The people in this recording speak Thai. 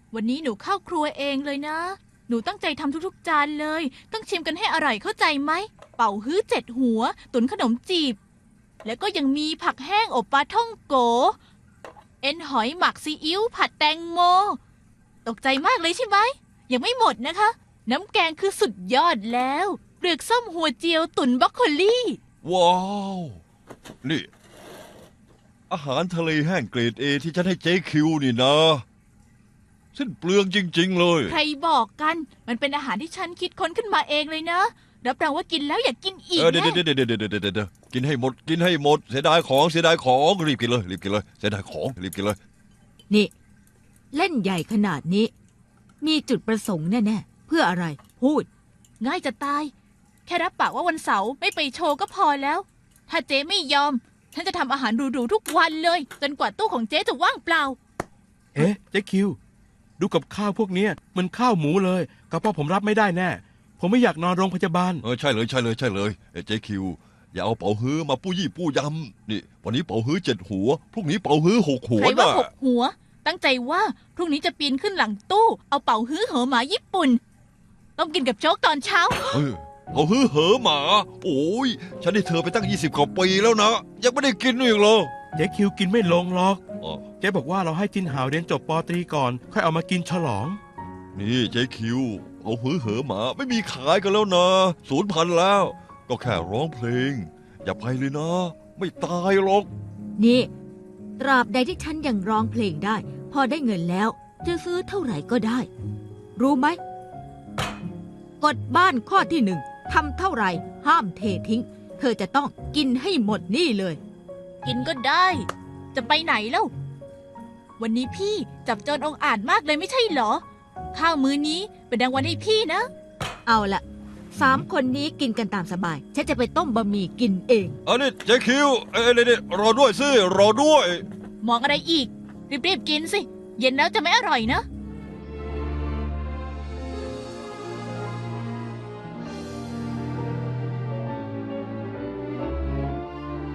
วันนี้หนูเข้าครัวเองเลยนะหนูตั้งใจทำทุกๆจานเลยต้องชิมกันให้อร่อยเข้าใจไหมเป่าฮื้อ7 หัวตุ๋นขนมจีบแล้วก็ยังมีผักแห้งอบปลาท่องโกเอ็นหอยหมักซีอิ๊วผัดแตงโมตกใจมากเลยใช่ไหมยังไม่หมดนะคะน้ำแกงคือสุดยอดแล้วเปลือกส้มหัวเจียวตุ๋นบรอกโคลี่ว้าวนี่อาหารทะเลแห้งเกรดเอที่ฉันให้เจ๊คิวนี่นะสิ้นเปลืองจริงๆเลยใครบอกกันมันเป็นอาหารที่ฉันคิดค้นขึ้นมาเองเลยนะรับรองว่ากินแล้วอยากกินอีกเดี๋ยวแน่เดี๋ยวเดี๋ยวเดี๋ยวเดี๋ยวกินให้หมดกินให้หมดเสียดายของเสียดายของรีบกินเลยรีบกินเลยเสียดายของรีบกินเลยนี่ เล่นใหญ่ขนาดนี้ มีจุดประสงค์แน่ๆเพื่ออะไร พูดง่ายจะตาย แค่รับปากว่าวันเสาร์ไม่ไปโชว์ก็พอแล้ว ถ้าเจ๊ไม่ยอม ฉันจะทำอาหารหรูๆทุกวันเลย จนกว่าตู้ของเจ๊จะว่างเปล่าเอ๊ะเจ๊คิว ดูกับข้าวพวกเนี้ยมันข้าวหมูเลยกระเพาะผมรับไม่ได้แน่ ผมไม่อยากนอนโรงพยาบาลใช่เลยใช่เลยใช่เลยเจ๊คิวอย่าเอาเป๋าฮื้อมาปู้ยี่ปู้ยำนี่วันนี้เป๋าฮื้อ7 หัวพรุ่งนี้เป๋าฮื้อ6 หัวใครว่าน่ะ 6 หัว ตั้งใจว่าพรุ่งนี้จะปีนขึ้นหลังตู้ เอาเป่าฮื้อเหอหมาญี่ปุ่น ต้องกินกับโจ๊กตอนเช้าเป๋าฮื้อเหอหมาโอ้ยฉันได้เธอไปตั้ง20 กว่าปีแล้วนะยังไม่ได้กินอีกเหรอเจ๊คิวกินไม่ลงหรอกอ๋อเจ๊บอกว่าเราให้จินหาวเรียนจบปตรีก่อน ค่อยเอามากินฉลองนี่เจ๊คิวเอาฮื้อเหอหมาไม่มีขายกันแล้วนะ0,000แล้ว ก็แค่ร้องเพลง อย่าไปเลยนะ ไม่ตายหรอกนี่ ตราบใดที่ฉันยังร้องเพลงได้ พอได้เงินแล้ว จะซื้อเท่าไหร่ก็ได้ รู้ไหมกฎบ้านข้อที่ 1ทำเท่าไหร่ ห้ามเททิ้ง เธอจะต้องกินให้หมดนี่เลยกินก็ได้ จะไปไหนแล้ว วันนี้พี่จับโจรองอาจมากเลยไม่ใช่เหรอ ข้าวมื้อนี้เป็นรางวัลให้พี่นะเอาละ3 คนนี้กินกันตามสบาย ฉันจะไปต้มบะหมี่กินเองอันนี้เจ๊คิวนี่รอด้วยสิรอด้วยมองอะไรอีก รีบๆกินสิ เย็นแล้วจะไม่อร่อยนะ